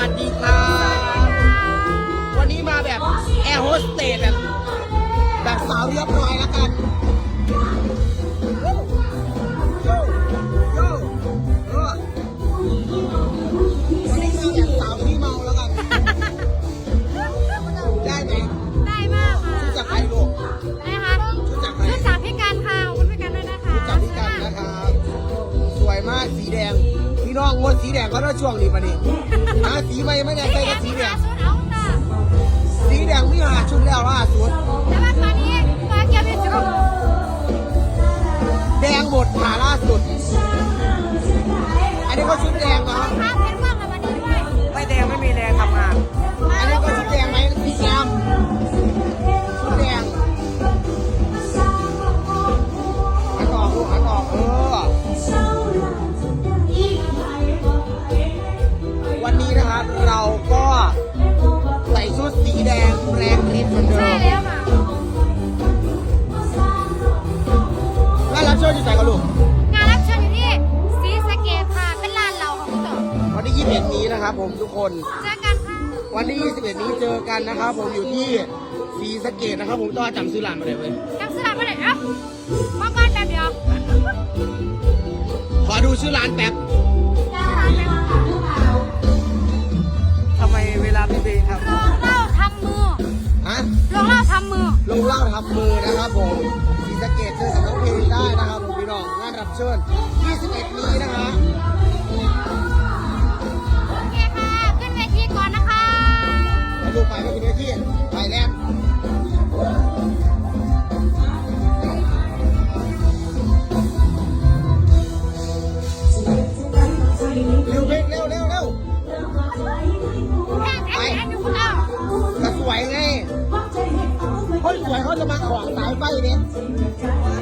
วัสดีครับวันนี้มาแบบแอร์โฮสเตสแบบสาวเรียบร้อยแล้วกันวันนี้มาแบบสาวที่เมาแล้วกันได้ไหมได้มากค่ะชุดจากใครลูกนะคะชุดจากใครชุดจากพี่กันค่ะขอบคุณพี่กันด้วยนะคะชุดจากพี่กันนะครับสวยมากสีแดงพี่น้องงดสีแดงก็ต้องช่วงนี้ปะนี่หาสีไม่ได้ใส่กับสีแดงชุดเอาจ้ะสีแดงมีหาชุดแล้วล่าสุดแล้ววันนี้มาเกี่ยวกับชุดแดงหมดหาล่าสุดอันนี้ก็ชุดแดงเหรอข้าวเพชรมากค่ะวันนี้ด้วยไม่แดงไม่มีแรงทำงานอันนี้ก็ชุดแดงไหมสีแดงชุดแดงหันออกลูกหันออกวันนี้นะครับเราก็ใส่ชุดสีแดงแรงฤทธิ์เหมือนเดิใช่มแล้วค่ะแล้วรับเชิญอยู่ไหนกันลูกงานรับเชิญอยู่ที่ศรีสะเกษค่ะเป็นร้านเราของคุณต่อวันที่21นี้นะครับผมทุกคนเจอกันค่ะวันที่21นี้เจอกันนะครับผมอยู่ที่ศรีสะเกษนะครับผมต้องจำซื้อร้านมาเลยเว้ยจำสลับมาเลยเอ้ามาบ้านแป๊บเดียวขอดูชื่อร้านแป๊บทำไมเวลาพี่เบย์ครับโรงเหล้าทำมือฮะโรงเหล้าทำมือลงเล่าทำมือนะครับผมศรีสะเกษเจอกับน้องเพลงได้นะครับผมพี่น้องงานรับเชิญ21นี้นะฮะโอเคค่ะขึ้นเวทีก่อนนะคะไปดูไปกินเนื้อที่ไปแลนด์เร็วเพลงเร็วเร็วเร็วแข่งแข่งอยู่คุณเอาก็สวยไงคนสวยเขาจะมาขวางสายไฟเนี่ย